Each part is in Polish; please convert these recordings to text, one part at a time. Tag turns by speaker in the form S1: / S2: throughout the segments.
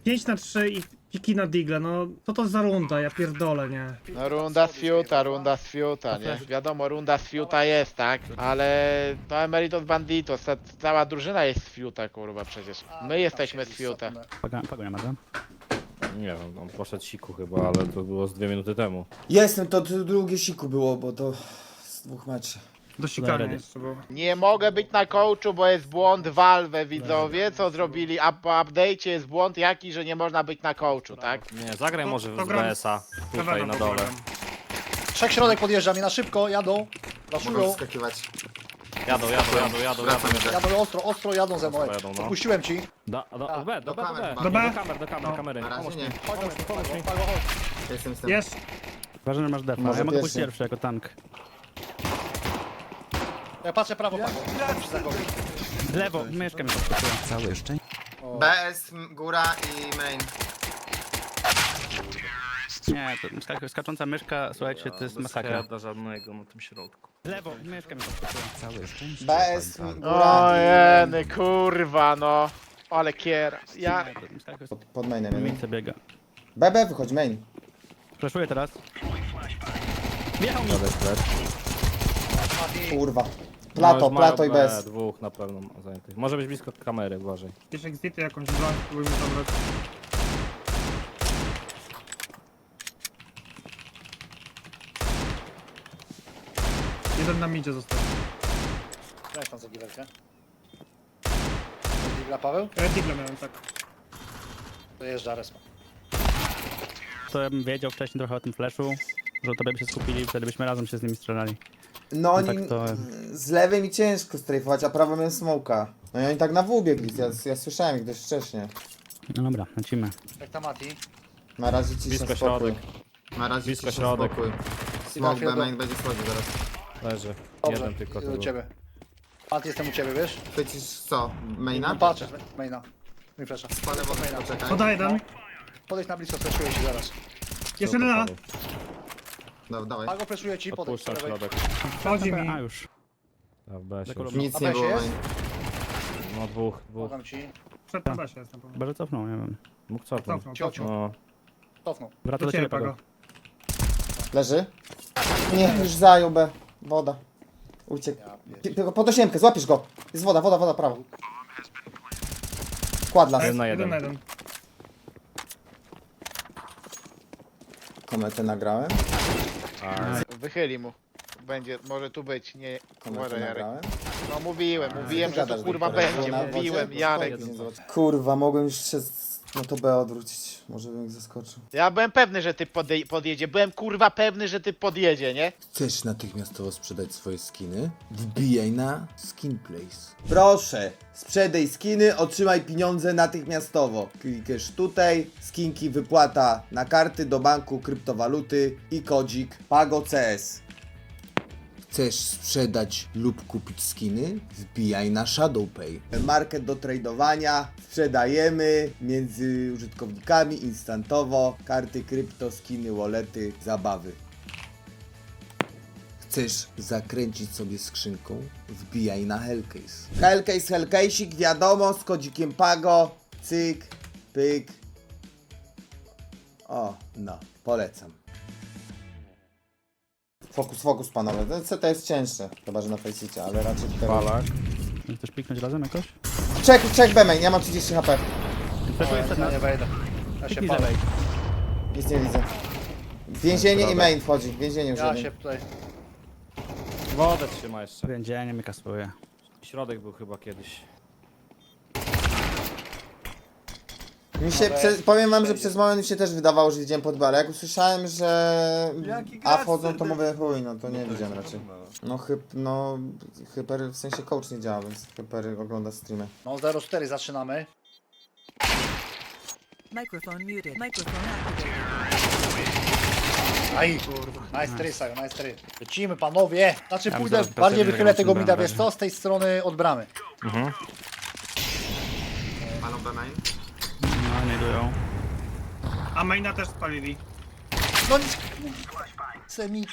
S1: 5-3 i piki na digle, no co to za runda, ja pierdolę, nie.
S2: No runda z fiuta, nie? Wiadomo, runda z fiuta jest, tak? Ale to Emeritus Banditos, ta cała drużyna jest z fiuta, kurwa, przecież. My jesteśmy z fiuta.
S3: Pago nie ma, tak?
S4: Nie wiem, on poszedł siku chyba, ale to było z 2 minuty temu.
S5: Jestem, to drugie siku było, bo to z 2 meczy.
S1: Do sikania
S3: ready.
S1: jeszcze było.
S2: Nie mogę być na coachu, bo jest błąd Valve, widzowie, co zrobili, a po update'cie jest błąd jaki, że nie można być na coachu, tak?
S4: Nie, zagraj
S1: To-
S4: może
S1: to
S4: w
S1: gram
S4: BS-a, tutaj
S1: Kawena
S4: na dole.
S1: poprogram.
S6: Trzech środek podjeżdża mi na szybko, jadą.
S7: Mogą
S6: Raszują.
S7: wskakiwać.
S4: Jadą.
S7: Wracam jeszcze.
S6: Jadą ostro jadą ze mną.
S4: Jadą, no.
S6: Puściłem ci.
S4: Do B,
S7: do
S4: do
S7: kamer,
S4: B.
S1: do B.
S4: Do kamery.
S7: Na razie
S4: Pomóż
S7: nie.
S4: mi.
S6: Chodź, chodź.
S7: Jestem z tym.
S1: Jest.
S3: Ważne, że masz defa.
S5: Może
S3: Ja mogę pójść
S5: pierwszy.
S3: pierwszy jako tank.
S6: Ja patrzę prawo, Pago.
S3: Lewo, myszkę mi podskoczyła.
S8: Całe szczęście.
S7: BS, góra i main.
S3: Nie, to skacząca myszka, słuchajcie, to jest
S4: Bez
S3: masakra.
S4: heada żadnego na tym środku.
S3: Lewo, myszkę mi podskoczyła.
S8: Całe szczęście.
S5: BS,
S8: Pan
S5: góra.
S2: O jeny, kurwa, no. Ale kier. Ja...
S5: Pod mainem, nie?
S3: Miejsce biega.
S5: BB, wychodź, main.
S3: Flashuję teraz. Wjechał mi.
S5: Kurwa. Plato,
S4: No,
S5: plato i
S4: już mają
S5: bez.
S4: dwóch na pewno zajętych. Może być blisko kamery, uważaj.
S1: Jakieś exity, jakąś broń, spróbujmy zabrać. Jeden na midzie został.
S6: Weź tam za giwerkę. Digla Paweł?
S1: Ja digle miałem, tak.
S6: Dojeżdża respa.
S3: To ja bym wiedział wcześniej trochę o tym flashu, że tobie by się skupili, wtedy byśmy razem się z nimi strzelali.
S5: No oni
S3: tak to-
S5: z lewej mi ciężko strajfować, a prawo miałem smoka. No i oni tak na W biegli, ja słyszałem ich dość wcześnie.
S3: No dobra, lecimy.
S6: Jak tam Mati?
S5: Na razie cisza,
S4: Blisko
S5: spokój.
S4: środek.
S7: Na razie
S4: Blisko
S7: cisza,
S4: środek.
S7: spokój. Smoke
S6: Fieldo.
S7: B main będzie schodził zaraz.
S4: Leży.
S6: Dobrze,
S4: Jeden tylko to
S6: do
S4: był.
S6: ciebie. Mati, jestem u ciebie, wiesz?
S7: Chwycisz co? Maina?
S6: No patrzę, maina. Mi flasha.
S7: Palę wodę, poczekaj.
S1: Poda jeden.
S6: Podejdź na blisko, flashuję ci zaraz.
S1: Jest jeden na.
S7: Dawaj.
S6: Pago flashuje ci, podejdź
S4: Odpuszczam
S6: po lewej.
S4: środek.
S1: Wchodzi mi.
S3: A już.
S4: A w BS
S3: Dekolo-
S4: już.
S7: Nic
S6: A
S7: nie
S6: weź
S7: było
S6: jest?
S7: main.
S4: No dwóch.
S6: Pomagam ci.
S1: Przed na basie jestem.
S3: Chyba, że cofnął, nie wiem.
S4: Mógł cofnąć.
S1: Cofnął,
S6: Ciocio.
S1: cofnął.
S4: No.
S6: Cofnął.
S3: Wraca
S1: Do
S3: do
S1: ciebie,
S3: ciebie, Pago.
S1: Pago.
S5: Leży? Nie, już zajął B. Woda. Uciekł. Pod 8, złapiesz go. Jest woda, prawo. Kładla.
S4: Jeden na
S1: Jeden na
S4: jeden.
S1: jeden.
S5: Kometę nagrałem.
S2: Wychyli mu. Będzie, może tu być, nie...
S5: Kometę
S2: Uważaj, Jarek.
S5: nagrałem.
S2: No mówiłem że
S5: Gadasz,
S2: to kurwa
S5: Wiktor,
S2: będzie,
S5: było na
S2: mówiłem,
S5: wodzie?
S2: Jarek.
S5: Kurwa, mogłem już się no to B odwrócić. Może bym ich zaskoczył.
S2: Ja byłem pewny, że ty podjedzie, byłem kurwa pewny, że ty podjedzie, nie?
S8: Chcesz natychmiastowo sprzedać swoje skiny? Wbijaj na Skinplace.
S5: Proszę, sprzedaj skiny, otrzymaj pieniądze natychmiastowo. Klikasz tutaj, skinki wypłata na karty do banku, kryptowaluty i kodzik Pago CS.
S8: Chcesz sprzedać lub kupić skiny? Wbijaj na ShadowPay.
S5: Market do tradowania, sprzedajemy między użytkownikami instantowo, karty krypto, skiny, wallety, zabawy.
S8: Chcesz zakręcić sobie skrzynką? Wbijaj na Hellcase.
S5: Hellcase'ik, wiadomo, z kodzikiem Pago, cyk, pyk. O, no, polecam. Fokus panowie, to jest cięższe, chyba że na Faceicie, ale raczej tutaj...
S4: Palak.
S3: Chcesz piknąć razem jakoś?
S5: Check B-main, ja mam 30 HP,
S3: Flashuję przed
S6: Ja
S3: nas.
S6: nie wejdę. Ja się
S3: Piknij z
S6: palę.
S3: lewej.
S5: nic nie widzę. Więzienie i main wchodzi, więzienie już
S6: Ja
S5: jeden.
S6: się tutaj...
S4: Wodę trzyma jeszcze.
S3: Więzienie mnie kasuje.
S4: Środek był chyba kiedyś.
S5: Mi się, powiem wam, że przez moment mi się też wydawało, że widziałem pod ale jak usłyszałem, że A wchodzą, to mówię chuj, no to nie widziałem raczej. No Hyper w sensie coach nie działa, więc Hyper ogląda streamy.
S6: No 0-4 zaczynamy.
S9: Microphone muted. Microphone activated.
S6: Aj, nice try, Sajo, nice try. Lecimy panowie. Znaczy
S3: Ja bym
S6: pójdę,
S3: za-
S6: bardziej
S3: za-
S6: wychylę
S3: za-
S6: tego
S3: za-
S6: mida,
S3: za-
S6: wiesz co, z tej strony od bramy.
S7: Palą B main.
S3: No, nie dują.
S1: A maina też spalili.
S6: No nic, semi.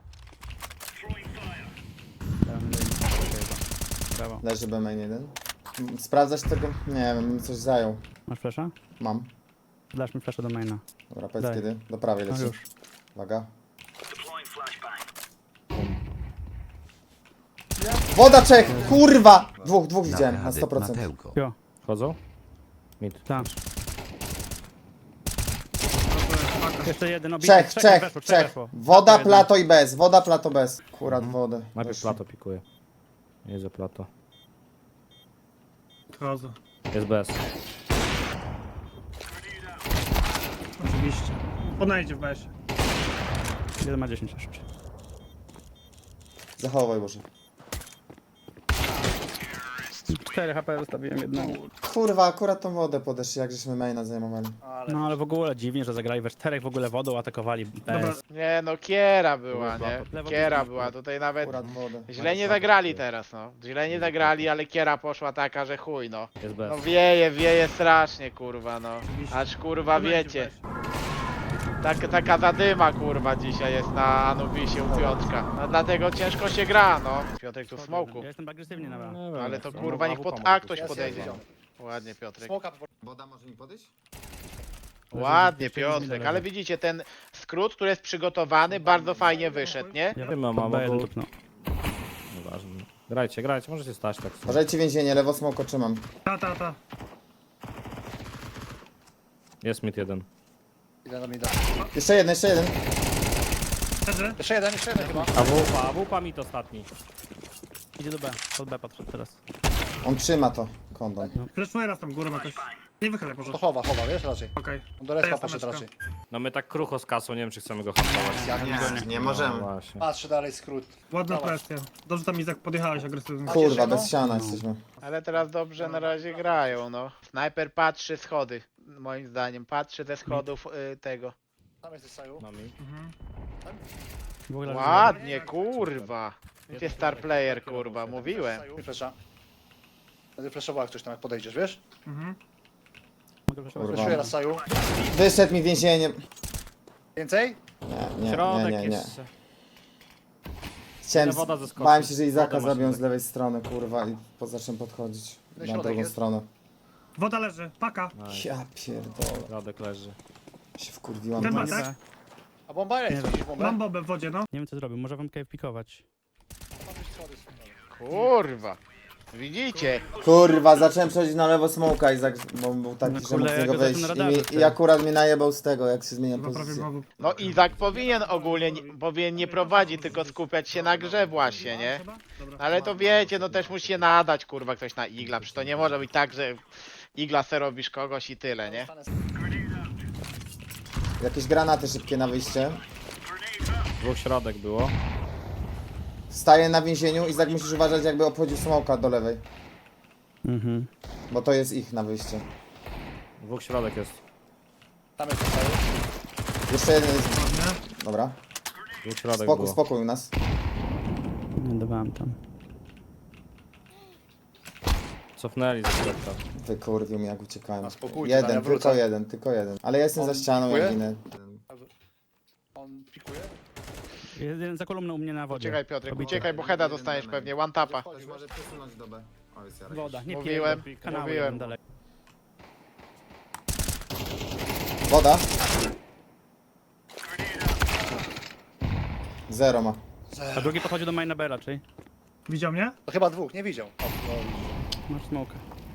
S3: Brawo.
S5: Leży B-main jeden. Sprawdzać tego? Nie wiem, bym coś zajął.
S3: Masz flasha?
S5: Mam.
S3: Dasz mi flasha do maina.
S5: Dobra, powiedz
S3: Daj.
S5: kiedy. Do prawej
S3: No
S5: leci.
S3: już.
S5: Uwaga. Woda Czech! Kurwa! Dwóch widziałem, na 100%.
S3: Jo,
S4: Wchodzą? Mid.
S3: tam. Jeszcze jeden obity.
S5: Czech.
S3: weszło.
S5: Woda,
S3: Plato
S5: plato i bez. Woda, plato, bez. Akurat wodę.
S4: Najpierw plato pikuje. Jedzie plato.
S1: Chodzę.
S4: Jest bez.
S1: Oczywiście. Podejdzie w besie.
S3: Jeden ma 10 jeszcze.
S5: Zachowaj Boże.
S3: 4 HP zostawiłem jedną.
S5: Kurwa, akurat tą wodę podeszli, jak żeśmy maina zajmowali.
S3: No ale w ogóle dziwnie, że zagrali we 4 w ogóle wodą atakowali.
S1: Dobra.
S2: Nie no, kiera była, nie?
S3: Lewo
S2: Kiera
S3: blisko.
S2: była, tutaj nawet
S5: Akurat wodę.
S2: źle nie zagrali teraz, no. Źle nie zagrali, ale kiera poszła taka, że chuj, no.
S4: Jest bez.
S2: No wieje strasznie, kurwa, no. Aż kurwa wiecie. Taka zadyma kurwa dzisiaj jest na Anubisie u Piotrka. No dlatego ciężko się gra, no. Piotrek tu w smoku.
S3: Ja jestem agresywnie na
S4: Nie wiem,
S2: Ale to
S4: no,
S2: kurwa niech
S4: AWP
S2: pod
S4: może
S2: A
S4: tu
S2: ktoś
S4: się-
S2: podejdzie.
S6: Jest.
S2: Ładnie Piotrek.
S6: Smoka
S7: Woda może mi podejść?
S2: Ładnie Piotrek, ale widzicie ten skrót, który jest przygotowany, bardzo fajnie wyszedł, nie?
S3: Ja
S4: Nie ma,
S3: pod
S4: mama,
S3: B1
S4: bo...
S3: tupnął.
S4: Nieważne. Grajcie, możecie stać tak. w sumie.
S5: Uważajcie więzienie, lewo smoko trzymam.
S1: Ta.
S4: Jest mid jeden.
S6: Idę na mida.
S5: Jeszcze jeden.
S1: Leży.
S6: Jeszcze jeden chyba.
S4: AWP mid ostatni.
S3: Idzie do B, pod B podszedł teraz.
S5: On trzyma to. Kondon.
S1: Fleszuję raz tam górą jakoś. Nie wychylaj może.
S6: To chowa, wiesz raczej.
S1: Okej.
S6: On do respa
S1: jest
S6: poszedł
S1: tameczka.
S6: raczej.
S4: No my tak krucho z kasą, nie wiem czy chcemy go hamować.
S7: Nie
S4: No
S7: możemy.
S4: właśnie.
S6: Patrzy dalej skrót.
S1: Ładna
S6: Dawaj.
S1: presja. Dobrze tam Izak podjechałeś agresywnie.
S5: Kurwa,
S6: no?
S5: bez ściana jesteśmy.
S2: Ale teraz dobrze na razie grają, no. Snajper patrzy schody, moim zdaniem. Patrzy ze schodów tego.
S6: Tam jesteś Saju.
S4: No mi.
S3: W ogóle
S2: Ładnie, kurwa. Gdzie star player, kurwa, mówiłem.
S6: Saju. Flesza. Będę fleszował jak ktoś tam jak podejdziesz, wiesz?
S3: mogę flashować.
S6: Fleszuję raz Saju.
S5: Wyszedł mi więzienie.
S6: Więcej?
S4: Środek
S5: Nie.
S4: jeszcze.
S5: Chciałem,
S4: Woda zeskoczy.
S5: bałem się, że Izaka
S4: Wodę masz
S5: zabiją z
S4: tutaj.
S5: lewej strony, kurwa, i zacznę podchodzić
S6: No
S5: na
S6: środek
S5: drugą
S6: jest.
S5: stronę.
S1: Woda leży. Paka.
S5: Ja pierdolę,
S4: Środek leży.
S5: się wkurwiłam.
S1: Ten ma,
S5: teraz.
S1: tak?
S6: A bomba jest,
S3: Nie
S6: widzisz bombę?
S1: Mam bobę w wodzie, no.
S3: Nie wiem co zrobił, może wam cave pikować.
S2: Kurwa. Widzicie?
S5: Kurwa, zacząłem przechodzić na lewo smoka, Izak, bo był taki,
S3: No
S5: że
S3: kurde,
S5: mógł z niego
S3: jak go
S5: wyjść.
S3: zaczął na radarze
S5: I akurat mnie najebał z tego, jak się zmieniam
S1: Chyba prawie
S5: pozycję.
S1: znowu.
S2: No Izak powinien ogólnie, powinien nie prowadzić, tylko skupiać się na grze właśnie, nie?
S1: Dobra.
S2: Ale to wiecie, no też musi się nadać, kurwa, ktoś na igla, przecież to nie może być tak, że igla se robisz kogoś i tyle, nie?
S5: Jakieś granaty szybkie na wyjście.
S4: Dwóch środek było.
S5: Staję na więzieniu, Izak musisz uważać, jakby obchodził smoka do lewej.
S3: Mhm.
S5: Bo to jest ich na wyjście.
S4: Dwóch środek jest.
S6: Tam jest Saju.
S5: Jeszcze jeden jest. Dobra.
S4: Dwóch środek było.
S5: Spokój u nas.
S3: Nie dawałem tam.
S4: Cofnęli ze środka.
S5: Wykurwił mnie jak uciekałem.
S6: A spokójcie, tam ja
S5: Jeden,
S6: wrócę.
S5: tylko jeden. Ale ja jestem za
S6: On
S5: ścianą,
S6: pikuje?
S5: jak ginę.
S6: On pikuje?
S3: Jest jeden za kolumną u mnie na wodzie.
S2: Uciekaj Piotrek,
S3: Obity.
S2: uciekaj, bo heada dostaniesz pewnie, one tapa.
S7: Ktoś może przesunąć do B. O, jest Jarek.
S3: Woda, nie
S2: Mówiłem,
S3: pij, kanały
S2: mówiłem.
S3: jeden dalej.
S5: Woda. Zero ma.
S3: A drugi podchodzi do maina B raczej.
S1: Widział mnie?
S6: To chyba dwóch, nie widział. O, no.
S3: Masz smoka.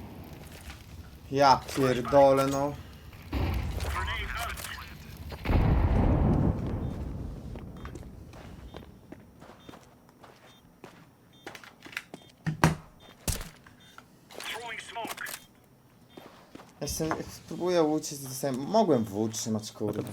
S5: Ja pierdolę, no. Jestem, spróbuję uciec, mogłem w trzymać, kurde.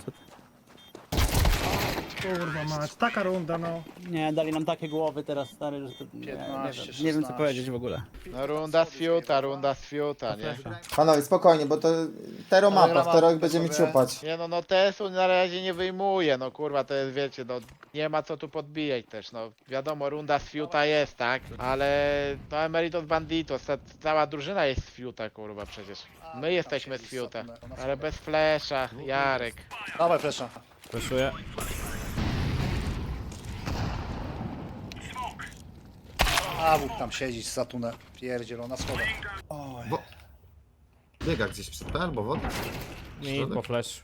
S1: Kurwa mać. Taka runda, no.
S3: Nie, dali nam takie głowy teraz, stary, że to...
S6: 15,
S3: nie wiem co
S6: 16.
S3: powiedzieć w ogóle.
S2: No runda z fiuta, nie?
S5: Panowie, spokojnie, bo to Tero mapa, w Tero ich będziemy
S6: sobie.
S5: ciupać.
S2: Nie no, no TS-u na razie nie wyjmuje, no kurwa, to jest, wiecie, no nie ma co tu podbijać też, no wiadomo, runda z fiuta jest, tak? Ale to Emeritus Banditos, ta cała drużyna jest z fiuta, kurwa, przecież. My jesteśmy z fiuta, ale bez flesza, Jarek.
S6: Dawaj flesza.
S4: Wyszuję.
S6: A wód tam siedzieć za tunel. Pierdzielona schodach. Oj.
S7: Biega gdzieś przed P albo wodę?
S4: Mi po flash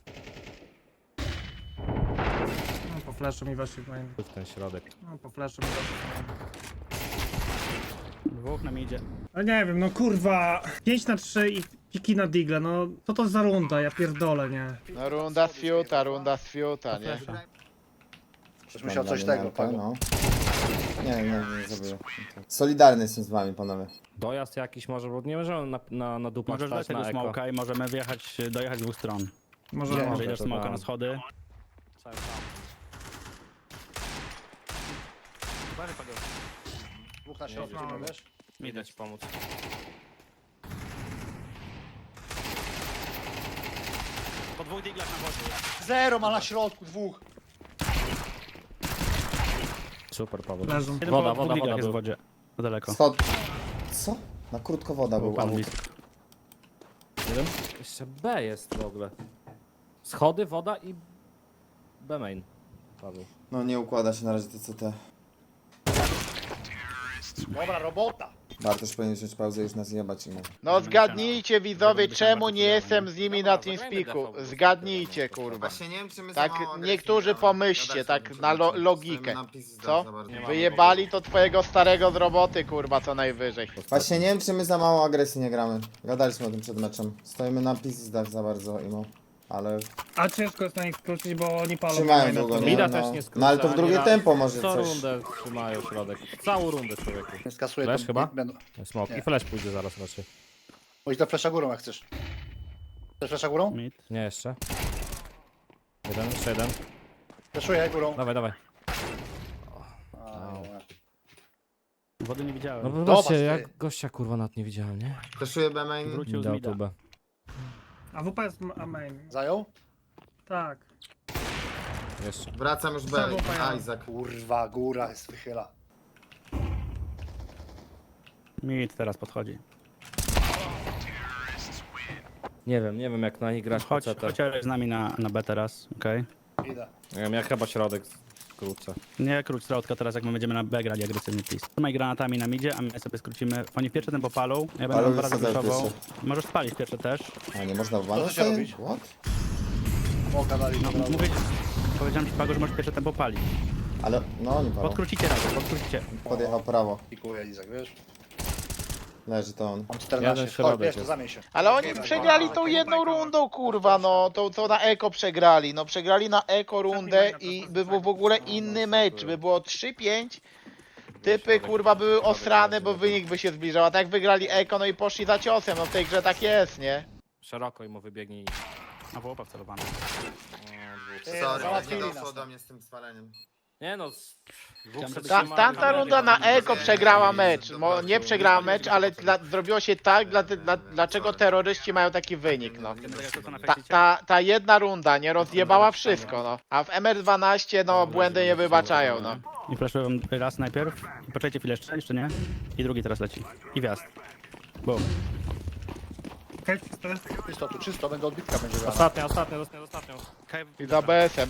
S1: No, po flashu mi weszli w main.
S4: w ten środek.
S1: No, po flashu mi weszli w main.
S3: Dwóch nam idzie.
S1: Ale nie wiem, no kurwa. 5-3 i piki na digle, no. Co to za runda, ja pierdolę, nie.
S2: No runda z fiuta, nie?
S6: Ktoś musiał coś
S5: Mam
S6: tego,
S5: liniankę,
S6: Pago.
S5: no. Nie zrobię. Solidarny jestem z wami, panowie.
S4: Dojazd jakiś może, bo nie możemy na dupach
S3: Możesz dać
S4: stać na
S3: tego
S4: eko.
S3: smoka i możemy dojechać z dwóch stron.
S1: Może
S6: Nie.
S1: może.
S3: Wejdziesz
S4: to
S3: smoka
S4: dam.
S3: na schody.
S6: Dwóch na środku, wiesz?
S4: Idę ci pomóc.
S3: Po dwóch diglach na wodzie.
S6: Zero ma na środku, dwóch.
S4: Super, Paweł.
S1: Leżą.
S3: Jeden
S4: Woda,
S3: po dwóch
S4: woda,
S3: diglach
S4: woda
S3: jest w
S4: był.
S3: wodzie. To daleko.
S5: Schod. Co? Na krótko woda był.
S3: Pan
S5: AWP.
S3: blisko.
S4: Jeszcze B jest w ogóle. Schody, woda i B main. Paweł.
S5: No nie układa się na razie TCT.
S6: Dobra robota.
S5: Bartosz powinien wziąć pauzę i już nas jebać im.
S2: No zgadnijcie widzowie, czemu nie jestem z nimi na TeamSpeaku. Zgadnijcie, kurwa.
S7: Właśnie nie wiem, czy my
S2: Tak,
S7: za mało
S2: niektórzy
S7: agresji gramy.
S2: pomyślcie,
S7: Gadać
S2: tak
S7: sobie
S2: na
S7: musimy,
S2: logikę.
S7: stoimy na pizzy
S2: Co?
S7: za bardzo.
S2: Wyjebali to twojego starego z roboty, kurwa, co najwyżej.
S5: Właśnie nie wiem, czy my za mało agresji nie gramy. Gadaliśmy o tym przed meczem. Stoimy na pizdach za bardzo, imo. Ale
S1: A ciężko jest na nich skrócić, bo oni palą.
S5: trzymają
S1: maina,
S5: długo,
S1: to-
S5: nie?
S4: Mida
S5: No.
S4: też nie skróca,
S5: No ale to w
S4: ani
S5: drugie
S4: raz.
S5: tempo może
S4: Co
S5: coś.
S4: rundę trzymają środek. Całą rundę, człowieku.
S6: Skasuję
S4: Flash
S6: to.
S4: chyba?
S6: Będą.
S4: Smok.
S6: Nie.
S4: I flash pójdzie zaraz raczej.
S6: Chodź do flesza górą jak chcesz. Chcesz flesza górą?
S3: Mid.
S4: Nie jeszcze. Jeden, jeszcze jeden.
S6: Fleszuję górą.
S4: Dawaj, dawaj.
S6: A, dobra.
S3: Wody nie widziałem.
S4: No
S6: Zobacz,
S4: zobaczcie,
S6: ty.
S4: jak gościa kurwa nad nie widziałem, nie?
S7: Fleszuję B main.
S3: Wrócił z
S4: Dał
S3: mida.
S4: tubę.
S1: A WP jest a main.
S6: Zajął?
S1: Tak.
S4: Jeszcze.
S7: Wracam już B.
S1: Co było fajne?
S7: Isaac.
S6: Kurwa, góra jest wychyla.
S3: Mid teraz podchodzi.
S4: Nie wiem jak na nich grać po
S3: Chodź
S4: CT.
S3: z nami na B teraz, okej?
S6: Idę.
S4: Nie wiem, ja chyba środek skrócę.
S3: Nie króć środka teraz, jak my będziemy na B grali agresywnie, please. Trzymaj granatami na midzie, a my sobie skrócimy. Oni pierwsze tempo palą, ja będę
S5: Palą
S3: dwa razy
S5: wysadzają
S3: wyszował.
S5: pierwsze.
S3: Możesz spalić pierwsze też.
S5: A nie można w
S6: Co się
S5: banę
S6: robić?
S5: What?
S6: Moga dali
S3: No,
S6: od razu.
S3: powiedziałem ci Pago, że możesz pierwsze tempo palić.
S5: Ale no nie palą.
S3: Podkrócicie razem, podkrócicie.
S5: Podjechał prawo.
S6: Pikuję Izak, wiesz?
S5: Leży to on.
S6: Mam 14.
S4: Jeden
S6: Chodź,
S4: środek
S6: wiesz, to
S4: jest.
S6: zamień się.
S2: Ale oni przegrali tą jedną rundą, kurwa, no. To na eko przegrali. No przegrali na eko rundę i by był w ogóle inny mecz. By było 3-5. Typy, kurwa, były osrane, bo wynik by się zbliżał. A tak wygrali eko, no i poszli za ciosem. No w tej grze tak jest, nie?
S4: Szeroko i mu wybiegnij.
S3: A wołopa wcelowany.
S6: Ty,
S7: Sorry,
S6: załatwili
S7: nie
S6: nas
S7: doszło
S6: tam.
S7: do mnie z tym spaleniem.
S4: Nie no,
S3: Chciałem, żeby
S2: Tamta runda na eko przegrała mecz. Nie przegrała mecz, ale zrobiło się tak, dlaczego terroryści mają taki wynik, no. Ta jedna runda nie rozjebała wszystko, no. A w MR12 no błędy nie wybaczają, no.
S3: I flashuję wam raz najpierw. I poczekajcie chwilę jeszcze nie? I drugi teraz leci. I wjazd. Boom.
S1: Okej, czyste.
S6: Czysto, tu czysto, będę odbitka będzie grała.
S4: ostatnio.
S2: I za BS-em.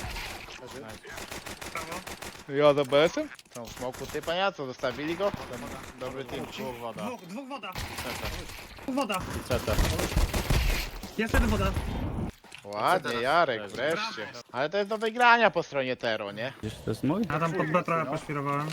S1: Prawo.
S2: Ja za BS-em? Są w smoku typa, ja co, zostawili go? Ten dobry team.
S4: Dwóch woda.
S1: Dwóch woda. Dwóch woda.
S4: CT.
S1: Jest jeden woda.
S2: Ładnie, Jarek, wreszcie. Ale to jest do wygrania po stronie Tero, nie?
S3: Wiesz, to jest mój?
S1: Ja tam pod B trochę poświrowałem.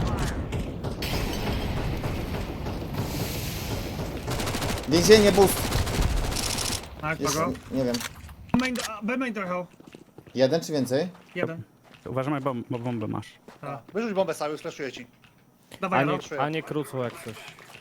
S5: Więzienie boost.
S1: Tak,
S5: Jest,
S1: Pago.
S5: nie wiem.
S1: B main trochę.
S5: Jeden czy więcej?
S1: Jeden.
S3: Uważaj, bo bombę masz.
S6: Wyrzuć bombę cały, slashuję ci.
S1: Dawaj, no.
S4: A nie krócą jak coś.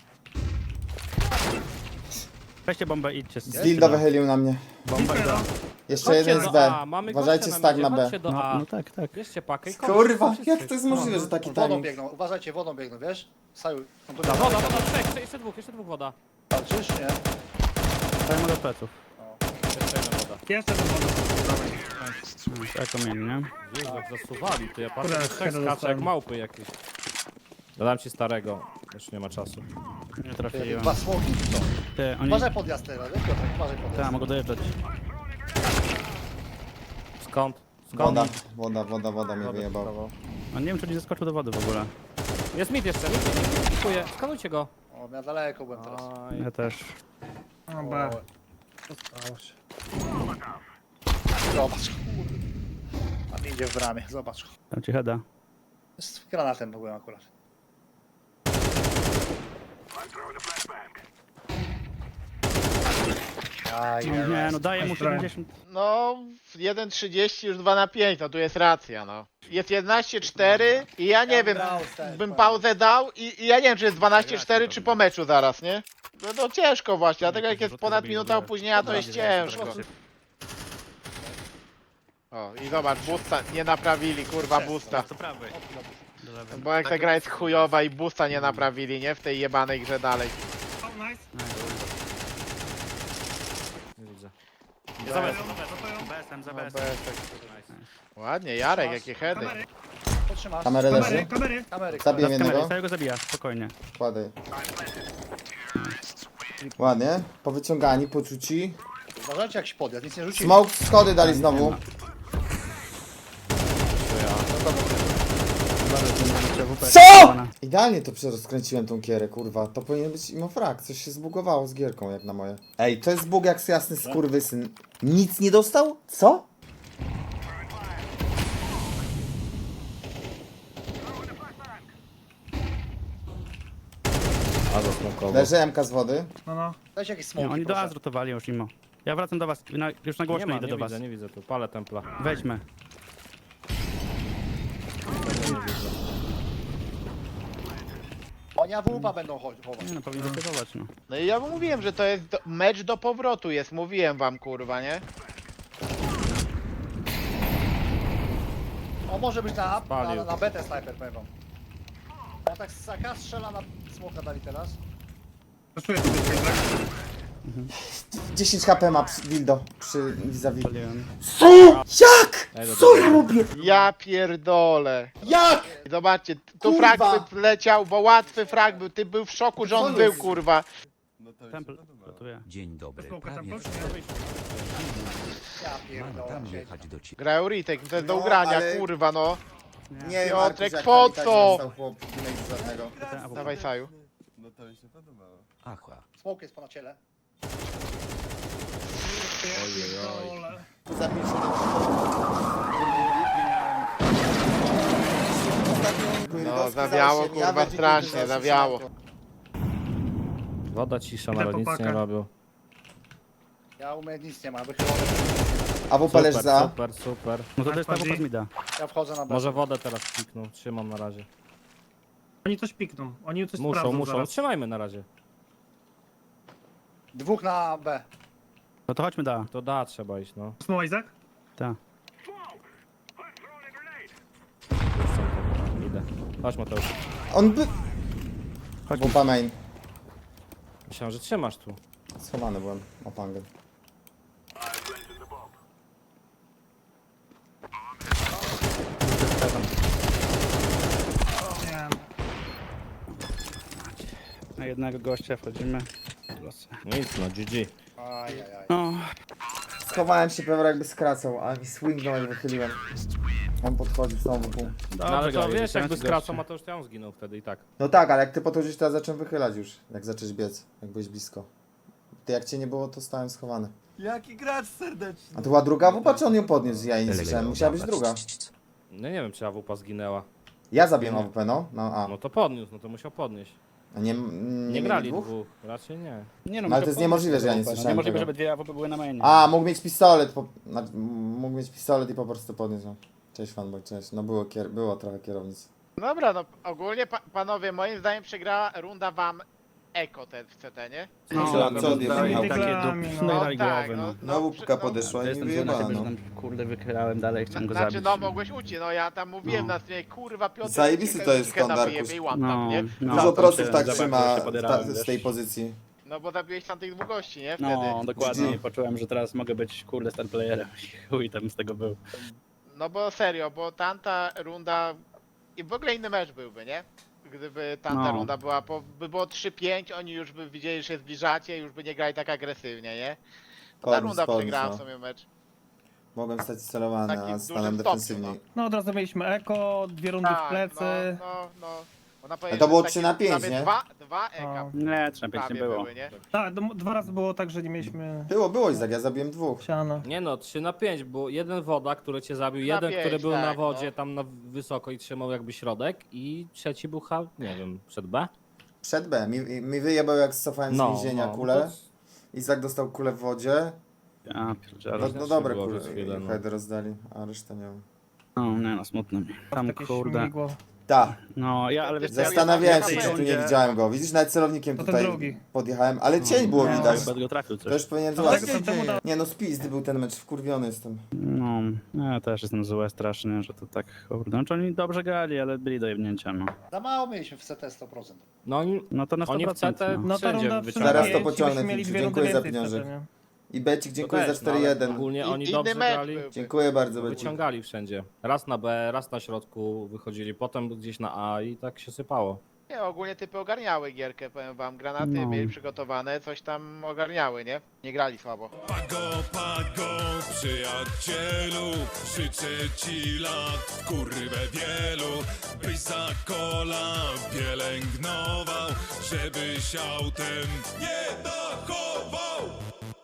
S3: Weźcie bombę i idźcie.
S5: Z Dildo wychylił na mnie.
S3: Bomba i do...
S5: Jeszcze jeden z B. Uważajcie stag na B.
S4: Chodźcie do
S3: No,
S4: A.
S3: no tak, tak.
S4: Bierzcie pakę i
S5: Kurwa, jak to jest możliwe, że taki
S6: Wodą
S5: timing?
S6: biegną, uważajcie, wodą biegną, wiesz? Saju, on tu
S4: Woda, trzech, jeszcze dwóch woda.
S6: walczysz, nie?
S3: Dajmy do pleców.
S4: Jeszcze jedna woda.
S1: Jeszcze jeden woda.
S3: Eko mieli, nie?
S4: Jezu, jak zasuwali, to ja patrzę,
S1: Kurde,
S4: że trzech
S1: kiedy
S4: skacze jak
S1: dostałem.
S4: małpy jakieś. Dodam ci starego, już nie ma czasu.
S3: Nie
S6: Ty,
S3: trafiłem.
S6: dwa smoki, to.
S3: Ty, oni...
S6: Uważaj podjazd teraz, wiesz? Piotrek, uważaj
S3: Tak,
S6: podjazd.
S3: mogą dojeżdżać.
S4: Skąd?
S5: Woda mnie
S4: Wodę
S5: wyjebał.
S4: wstawał.
S3: A nie wiem, czy nie zeskoczył do wody w ogóle.
S4: Jest mit jeszcze, mit. Dziękuję. Skanujcie go.
S6: O, ja daleko byłem teraz.
S4: Aj.
S3: Ja też.
S1: No B. Zostało się.
S6: Zobacz, kurde. A nie idzie w bramie, zobacz.
S3: Dam ci heada.
S6: Z granatem byłem akurat. Aj,
S3: No, nie, no daję mu
S1: Nice try.
S3: 70.
S2: No, 1.30 już 2 na 5, no tu jest racja, no. Jest 11-4 i ja nie wiem, bym pauzę dał i ja nie wiem, czy jest 12-4 czy po meczu zaraz, nie? No to ciężko właśnie, dlatego jak jest ponad minuta opóźnienia, to jest ciężko. O, i zobacz, boosta nie naprawili, kurwa, boosta.
S3: To prawy. Do lewej.
S2: Bo jak ta gra jest chujowa i boosta nie naprawili, nie? W tej jebanej grze dalej.
S1: O, nice.
S4: Nie widzę.
S3: Za
S1: Za
S3: BS-em, za
S2: No,
S3: BS-em.
S2: Ładnie, Jarek, jakie heady.
S1: Kamery,
S6: Potrzymasz.
S5: Kamerę
S1: kamery,
S5: leży.
S1: kamery.
S6: Kamery.
S5: Zabiję
S3: Kamery,
S5: jednego.
S3: całego zabija, spokojnie.
S5: Kładę. Ładnie. Powyciągani, poczuci.
S6: Uważajcie jak się podjazd, nic nie rzucili.
S5: Smoke, schody dali znowu. CO?! Idealnie to rozkręciłem tą kierę, kurwa. To powinien być imofrag. Coś się zbugowało z gierką, jak na moje. Ej, to jest bug jak jasny skurwysyn. Nic nie dostał? Co?
S4: A zasmokował.
S5: Leży MK z wody.
S1: No, no.
S6: Dajcie jakieś
S3: Nie,
S6: smoki,
S3: oni do
S6: proszę.
S3: A zrutowali już mimo. Ja wracam do was, już na
S4: Nie
S3: głośno
S4: ma,
S3: idę
S4: nie
S3: do was.
S4: widzę, nie widzę tu. Palę templa.
S3: Weźmy.
S6: Oni AWP będą chować.
S3: Nie no, powinien zatywować, no.
S2: No i ja wam mówiłem, że to jest mecz do powrotu jest, mówiłem wam, kurwa, nie?
S6: O, może być na
S4: Spalił.
S6: na betę snajper, powiem wam. Ja tak z AK strzela na smoka dali teraz.
S1: Zaszuję sobie tak.
S5: 10 HP ma Dildo przy vis-a-vis.
S3: Paliłem.
S5: Jak?
S4: Ej, do
S5: Co
S4: dobra.
S5: ja robię?
S2: Ja pierdolę.
S5: Jak?
S2: I zobaczcie, tu
S5: Kurwa.
S2: frag leciał, bo łatwy frag był, ty był w szoku, że on
S5: Co
S2: był,
S5: jest?
S2: kurwa.
S3: Temple, gotuję.
S10: Dzień dobry,
S1: Smoka tam
S10: prawie
S1: poszło.
S6: Ja
S10: mam
S6: pierdolę.
S10: tam jechać do ciebie.
S2: Grają retake, to jest do
S5: No,
S2: ugrania,
S5: ale-
S2: kurwa, no.
S5: Nie wiem,
S2: Piotrek,
S5: Markus, jak
S2: po
S5: tam i tak
S2: co?
S5: dostał chłop, nie jest żadnego.
S2: Dawaj, Saju.
S10: Achła.
S6: Smoke jest po na ciele.
S5: Zapiszę
S2: No, zawiało, kurwa, strasznie, zawiało.
S4: Woda cisza,
S1: Idę
S4: ale
S1: po
S4: nic nie
S1: pakę.
S4: robił.
S6: Ja umiem nic nie ma, wychylony.
S5: AWP leży za.
S4: Super, super.
S3: No to jest ta
S1: Bardziej.
S3: wupa mida.
S6: Ja wchodzę na betę.
S4: Może wodę teraz klikną, trzymam na razie.
S1: Oni coś pikną, oni coś
S4: Muszą,
S1: sprawdzą
S4: muszą.
S1: zaraz.
S4: Trzymajmy na razie.
S6: Dwóch na B.
S3: No to chodźmy do A.
S4: To da, trzeba iść, no.
S1: Small Isaac?
S3: Tak.
S4: Idę. Chodź Mateusz.
S5: On by...
S3: Chodźmy.
S5: AWP main.
S4: Myślałem, że trzymasz tu.
S5: Schowany byłem. Opangę.
S1: Nie.
S3: Na jednego gościa wchodzimy. Losy.
S4: Nic, no GG.
S6: Ajajaj.
S3: No,
S5: Schowałem się prawie jakby skracał, a mi swingnął jak wychyliłem. On podchodził znowu pół.
S4: No ale to
S3: grali,
S4: wiesz,
S3: dostałem
S4: jakby
S3: ci
S4: skracał
S3: gościa.
S4: Mateusz, to ja on zginął wtedy i tak.
S5: No tak, ale jak ty podchodzisz, to ja zacząłem wychylać już. Jak zacząłeś biec, jak byłeś blisko. Ty jak cię nie było, to stałem schowany.
S8: Jaki gracz serdeczny.
S5: A to była druga AWP, czy on ją podniósł? Ja jej nie słyszałem. Musiała być druga.
S4: No nie wiem, czy AWP zginęła.
S5: Ja zabiłem AWP, no. No a.
S4: No to podniósł, no to musiał podnieść.
S5: A nie,
S4: Nie
S5: mieli
S4: grali
S5: dwóch?
S4: dwóch, raczej nie.
S3: nie no,
S5: No, ale to jest niemożliwe, że ja nie
S3: No,
S5: słyszałem
S3: niemożliwe,
S5: tego.
S3: żeby dwie AWP były na mainie.
S5: A, mógł mieć pistolet. Mógł mieć pistolet i po prostu podniósł. Cześć fanboy, cześć. No było trochę kierownic.
S2: Dobra, no ogólnie panowie, moim zdaniem przegrała runda wam Eko te w CT, nie?
S3: No,
S5: Co
S3: no,
S5: odjebał?
S3: takie
S1: Dyglami,
S3: dup,
S1: no.
S3: no i
S2: tak,
S3: głowy, no.
S5: No łupka podeszła
S3: To
S5: i mi
S3: jestem zły na
S5: wyjebała,
S3: ciebie, że
S5: no.
S3: tam kurde wychylałem dalej, chciałem go
S2: Znaczy,
S3: zabić.
S2: no mogłeś uciec, no ja tam mówiłem
S3: No.
S2: na streamie, kurwa Piotr,
S5: Zajebisty to jest
S2: kilka tam
S5: skąd,
S2: wyjebie i
S5: Arkus.
S2: one tap, nie?
S3: No,
S5: Dużo
S3: tam
S5: proców
S3: się
S5: tak
S3: zobaczyłem,
S5: trzyma
S3: się podierałem,
S5: z
S3: wiesz.
S5: tej pozycji.
S2: No bo zabiłeś tam tych dwóch gości, nie? Wtedy.
S3: No, dokładnie.
S5: GG.
S3: Poczułem, że teraz mogę być kurde star playerem. Chuj tam z tego był.
S2: No bo serio, bo tamta runda i w ogóle inny mecz byłby, nie? Gdyby tamta
S3: No.
S2: runda była, by było 3-5, oni już by widzieli, że się zbliżacie, już by nie grali tak agresywnie, nie? Ta runda przegrała w sumie mecz.
S5: Mogłem stać celowany,
S2: Takim
S5: a
S2: dużym
S5: stanąłem
S2: stopniu,
S5: defensywniej.
S1: No od razu mieliśmy eko, dwie rundy w plecy.
S2: no. Można
S5: A
S2: powiedzieć,
S5: to
S2: że
S5: było
S2: takie
S5: 3 na 5,
S2: prawie
S5: nie?
S2: Dwa eka
S1: O.
S3: Nie, 3 na 5 nie
S2: prawie
S3: było.
S2: były, nie?
S1: Tak, 2 razy było tak, że nie mieliśmy
S5: Było, Izak, ja zabiłem 2.
S1: siana.
S4: Nie no, 3 na 5, bo jeden woda, który cię zabił,
S2: 3 na
S4: jeden,
S2: 5,
S4: który był na
S2: tak,
S4: wodzie
S2: no.
S4: tam na wysoko i trzymał jakby środek i trzeci był nie wiem, przed B?
S5: Przed B. Mi wyjebał jak cofałem z więzienia kulę. Izak dostał kulę w wodzie.
S3: Ja pierdzielę.
S5: No dobre
S4: było
S5: kule.
S4: przez chwilę, no.
S5: Head rozdali, a resztę nie wiem.
S3: No, nie no, smutno mi. Tam
S1: Takie
S3: kurde.
S1: śmigło.
S5: Tak,
S3: No, ja, ale wiesz co,
S5: zastanawiałem się,
S2: ja
S5: czy tu nie
S2: będzie-
S5: widziałem go. Widzisz, nawet celownikiem
S1: To ten
S5: tutaj
S1: drugi.
S5: podjechałem, ale cień było
S1: No.
S5: widać.
S3: Chyba go trafił
S5: To
S3: coś.
S5: już powinien
S1: Ale
S5: złapać.
S1: to temu da-
S5: Nie no, spizdy był ten mecz, wkurwiony jestem.
S3: No, ja też jestem zły strasznie, że to tak kurde. Znaczy oni dobrze grali, ale byli do jebnięcia, no.
S6: Za mało mieliśmy w CT 100%.
S4: No oni,
S3: No to na 100%.
S4: Oni w CT
S3: no.
S1: No ta
S4: Wszędzie
S1: runda
S4: wyciągają.
S5: Zaraz to
S1: przynajmniej
S5: pociągnę,
S1: byśmy mieli
S5: Filciu,
S1: 2 rundy
S5: dziękuję za
S1: więcej
S5: pieniądze.
S1: wtedy, nie?
S5: I Becik, dziękuję
S4: też,
S5: za
S4: no, ale
S5: 4-1.
S4: ogólnie oni
S2: Inny
S4: dobrze
S2: mecz
S4: grali.
S2: był.
S5: Dziękuję bardzo, Becik.
S4: Wyciągali wszędzie. Raz na B, raz na środku wychodzili, potem gdzieś na A i tak się sypało.
S2: Nie, ogólnie typy ogarniały gierkę, powiem wam. Granaty
S3: No.
S2: mieli przygotowane, coś tam ogarniały, nie? Nie grali słabo.
S10: Pago, przyjacielu, życzę ci lat, kurwę wielu, byś za kola pielęgnował, żebyś autem nie dachował.